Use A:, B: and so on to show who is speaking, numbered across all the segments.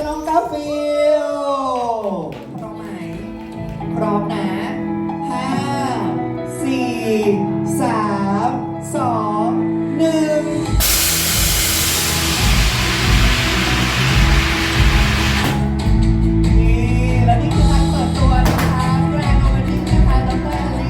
A: น้องกาฟิลพร้อมไหมพร้อมนะห้าสี่สามสองหนึ่งและนี่คือการเปิดตัวนะคะแบรนด์โอเวอร์ดิ้งนะคะดร.อลี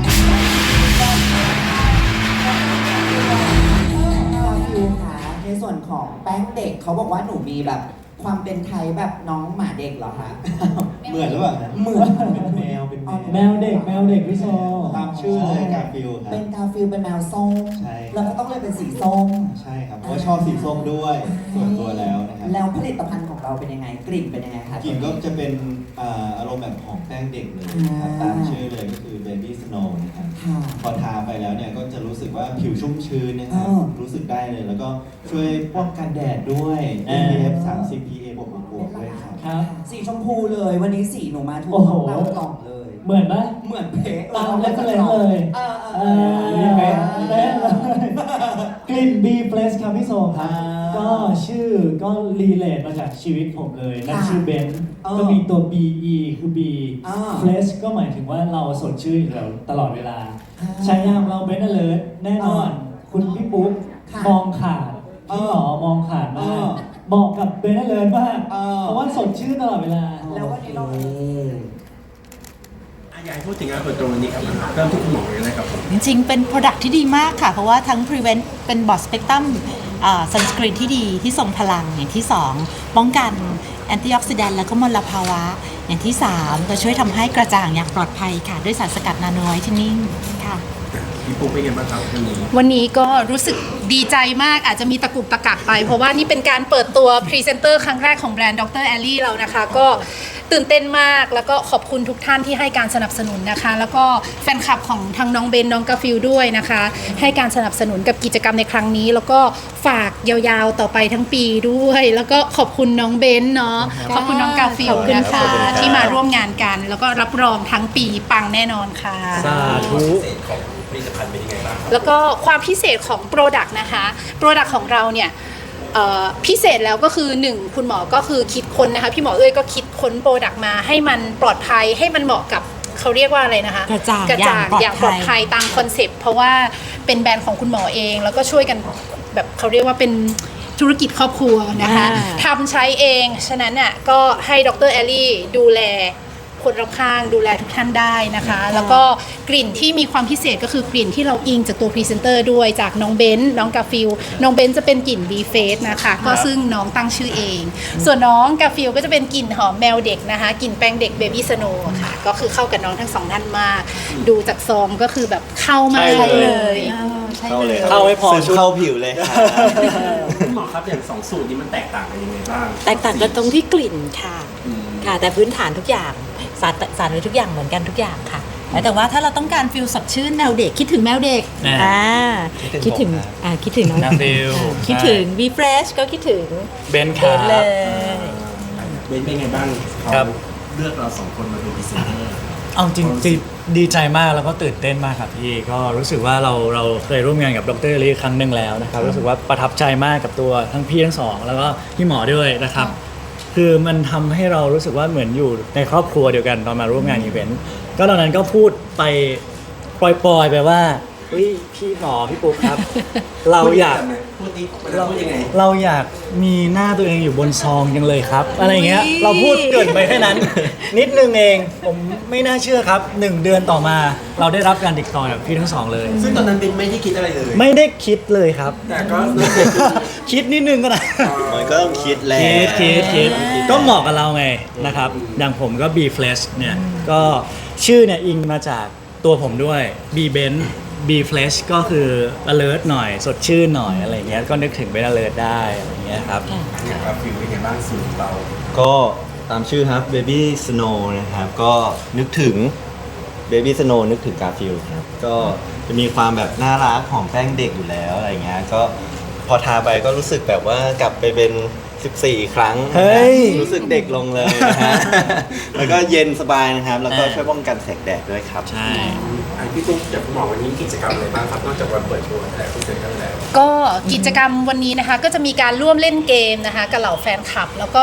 A: ฟิวค่ะในส่วนของแป้งเด็กเขาบอกว่าหนูมีแบบความเป็นไทยแบบน้องหมาเด็กเหรอคะ
B: เหมือนหรือเปล่า
A: เหมือน
B: เป็นแมวเป็น
C: แมวเด็กพี่โซ
B: ตามชื่อเลยกาฟิลครั
A: เป็
B: บ
A: นกาฟิลเป็นแมวส้ม
B: ใช่
A: แล้วก็ต้องเลยเป็นสีส้ม
B: ใช่ครับเพราะว่าชอบสีส้มด้วยส่วนตัวแล้วนะครับ
A: แล้วผลิตภัณฑ์ของเราเป็นยังไงกลิ่นเป็นยังไงคะ
B: กลิ่นก็จะเป็นอารมณ์แบบของแป้งเด็กเลยนะครับตามชื่อเลยก็คือ Baby Snow นะครับ
A: ค่ะ
B: พอทาไปแล้วเนี่ยก็จะรู้สึกว่าผิวชุ่มชื้นนะครับ รู้สึกได้เลยแล้วก็ช่วยป้องกันแดดด้วย SPF 30 PA บวกด้วยครับ
C: ครับ
A: สีชมพูเลยวันนี้สีหนูมาถูก
C: โอ้โห
A: ต้องตามกล่องเลย
C: เหมือนปะ
A: เหมือนเป๊ะ
C: ตามเล็กเลยเลย
A: เออ
C: เป๊ะเลยกลิ่น B Place ครับพี่โซครับ ก็ชื่อก็รีเลทมาจากชีวิตผมเลยนั่นชื่อเบนซ์ก็มีตัว BE คือ B Place ก็หมายถึงว่าเราสดชื่นอยู่แล้วตลอดเวลาใช้ยามเราเบนซ์ alert แน่นอน คุณพี่ปุ๊กมองขาดพี่หมอมองขาดมากเหมาะกับเบนซ์ alert มากเพราะว่าสดชื่นตลอดเวลา
A: แล้ววันนี้เรา
D: อยากให้พูดถึงงานเปิดตัววันนี้ครับเริ่มที่คุณหมอเลยนะครับผม
E: จริงๆ เป็น Product ที่ดีมากค่ะ เพราะว่าทั้ง Prevent เป็น Broad Spectrum Sunscreen ที่ดีที่ทรงพลังอย่างที่ 2 ป้องกันแอนตี้ออกซิแดนต์และก็มลภาวะ อย่างที่ 3 ก็ช่วยทำให้กระจ่างอย่างปลอดภัยค่ะ ด้วยสารสกัดนาโนไวท์เทนนิ่งค่ะ
D: พี่ปุ๊กเป็นไงบ้างครับวันนี้
F: วันนี้ก็รู้สึกดีใจมากอาจจะมีตะกุกตะกักไป เพราะว่านี่เป็นการเปิดตัวพรีเซนเตอร์ครั้งแรกของแบรนด์ดร. แอลลี่เรานะคะ ก็ตื่นเต้นมากแล้วก็ขอบคุณทุกท่านที่ให้การสนับสนุนนะคะ แล้วก็แฟนคลับของทางน้องเบนน้องกาฟิลด้วยนะคะ ให้การสนับสนุนกับกิจกรรมในครั้งนี้ แล้วก็ฝากยาวๆต่อไปทั้งปีด้วย แล้วก็ขอบคุณน้องเบนเนาะขอบคุณน้องกาฟิลนะคะที่มาร่วมงานกัน แล้วก็รับรองทั้งปีปังแน่นอนค่ะ
C: สาธุ
D: ผลิตภัณฑ์เป็นยังไงบ้างครับ
F: แล้วก็ความพิเศษของ Product นะคะ Product ของเราเนี่ยพิเศษแล้วก็คือ 1 คุณหมอก็คือคิดค้นนะคะพี่หมอเอ้ยก็คิดค้น Product มาให้มันปลอดภัยให้มันเหมาะกับเขาเรียกว่าอะไรนะคะ
E: กระจ่าง
F: อย่างปลอดภัยตามคอนเซปต์เพราะว่าเป็นแบรนด์ของคุณหมอเองแล้วก็ช่วยกันแบบเขาเรียกว่าเป็นธุรกิจครอบครัวนะคะทำใช้เองฉะนั้นน่ะก็ให้ดร. แอลลี่ดูแลคนรอบข้างดูแลทุกท่านได้นะคะ แล้วก็กลิ่นที่มีความพิเศษก็คือกลิ่นที่เราอิงจากตัวพรีเซนเตอร์ด้วยจากน้องเบนซ์น้องกาฟิลน้องเบนซ์จะเป็นกลิ่น B Face นะคะก็ซึ่งน้องตั้งชื่อเอง ส่วนน้องกาฟิลก็จะเป็นกลิ่นหอมแมวเด็กนะคะกลิ่นแป้งเด็ก Baby Snow ค่ะก็คือเข้ากับน้องทั้งสองท่านมาก ดูจากซองก็คือแบบเข้ามากเลย
B: เข้าเลย
C: เข้าให้พอ
B: ซึมเข้าผิวเลยครับ
D: คุณหมอครับอย่างสองสูตรนี้มันแตกต่างกันยังไงบ้าง
E: แตกต่างกันตรงที่กลิ่นค่ะ ค่ะ แต่พื้นฐานทุกอย่างสารไว้ทุกอย่างเหมือนกันทุกอย่างค่ะ แต่ว่าถ้าเราต้องการฟิลสดชื่นแมวเด็กคิดถึงแมวเด็ก คิดถึงน้อง
C: กาฟิล
E: คิดถึง V Fresh ก็คิดถึง
C: เบนซ์ค
E: เบ
C: รั
E: นเลย
D: เป็นไงบ้าง
C: ครับ
D: เลือกเราสองคนมาเป็นพรีเซนเตอร์
C: เอาจริงๆดีใจมากแล้วก็ตื่นเต้นมากครับพี่ก็รู้สึกว่าเราเคยร่วมงานกับดร. ลีครั้งหนึ่งแล้วนะครับรู้สึกว่าประทับใจมากกับตัวทั้งพี่ทั้งสองแล้วก็พี่หมอด้วยนะครับคือมันทำให้เรารู้สึกว่าเหมือนอยู่ในครอบครัวเดียวกันตอนมาร่วมงานอีเวนต์ก็ตอนนั้นก็พูดไปปล่อยๆไปว่าเฮ้ยพี่หมอพี่ปุ๊กครับ เราอยาก
D: พูดดิเราพูดยังไง
C: เราอยากมีหน้าตัวเองอยู่บนซองยังเลยครับอะไรเงี้ยเราพูดเกรินไปแค่นั้น นิดนึงเองผมไม่น่าเชื่อครับ1 เดือนต่อมาเราได้รับการติดต่อจากพี่ทั้งสองเลย
D: ซึ่งตอนนั้นเป็นไม่ได้คิดอะไรเลย
C: ไม่ได้คิดเลยครับ
D: แต่ก็
C: คิดนิดนึงก็ได้
B: มันก็ต้องคิดแล้ว
C: คิดก็เหมาะกับเราไงนะครับอย่างผมก็ B Flash เนี่ยก็ชื่อเนี่ยอิงมาจากตัวผมด้วย B Ben B Flash ก็คือ alert หน่อยสดชื่นหน่อยอะไรเงี้ยก็นึกถึงเป็น alert ได้อะไรเงี้ยครับ
D: อย่างกาฟิลเป็นไงบ้างสูตรเรา
B: ก็ตามชื่อครับ Baby Snow นะครับ ก็นึกถึง Baby Snow นึกถึงกาฟิลครับ ก็จะมีความแบบน่ารักของแป้งเด็กอยู่แล้วอะไรเงี้ย ก็พอทาไปก็รู้สึกแบบว่ากลับไปเป็น14 ครั้ง
C: เฮ้ย
B: รู้สึกเด็กลงเลยนะฮะ แล้วก็เย็นสบายนะครับ แล้วก็ช่วยป้องกันแสงแดดด้วยครับ
C: ใช่
D: พี่ปุ๊กจากคุณหมอวันนี้กิจกรรมอะไรบ้างครับนอกจากวันเปิดตัวแต่พรีเซนเตอร์แล้ว
F: ก็กิจกรรมวันนี้นะคะก็จะมีการร่วมเล่นเกมนะคะกับเหล่าแฟนคลับ แล้วก็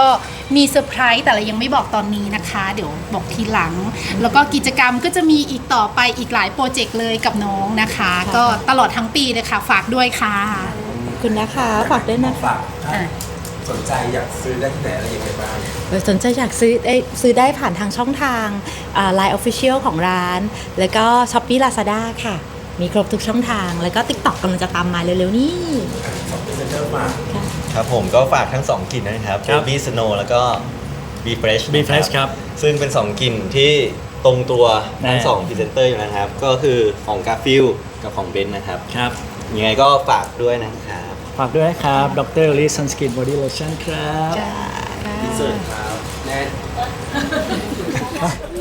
F: มีเซอร์ไพรส์แต่เรายังไม่บอกตอนนี้นะคะ เดี๋ยวบอกทีหลัง แล้วก็กิจกรรมก็จะมีอีกต่อไปอีกหลายโปรเจกต์เลยกับน้องนะคะ ก็ตลอดทั้งปีเลยค่ะฝากด้วยค่ะ
E: ขอบคุณนะคะฝากด้วยนะคะ
D: ฝากถ้าสนใจอยากซื้อได้ที่ไหนอะไรยังไงบ้าง
E: สนใจอยากซื้อได้ผ่านทางช่องทาง Line Official ของร้าน แล้วก็ Shopee Lazada ค่ะ มีครบทุกช่องทาง แล้วก็ TikTok กำลังจะตามมาเร็วๆนี้
D: สองพรีเซนเตอร์ฝาก
B: ครับผมก็ฝากทั้ง 2 กลิ่นนะครับ
C: ครับ
B: Baby Snow แล้วก็ Be Fresh
C: Be
B: นะ
C: Fresh ครับ
B: ซึ่งเป็น 2 กลิ่นที่ตรงตัวทั้ง
C: แน่
B: 2 พรีเซนเตอร์อยู่นะครับ ก็คือของ Garfield กับของ Ben นะครับ
C: ครับ
B: ยังไงก็ฝากด้วยนะครับ
C: ฝากด้วยนะครับดรลิซันสกินบอดี้โลชั่นครับ
D: อินเสิร์ตครับแน่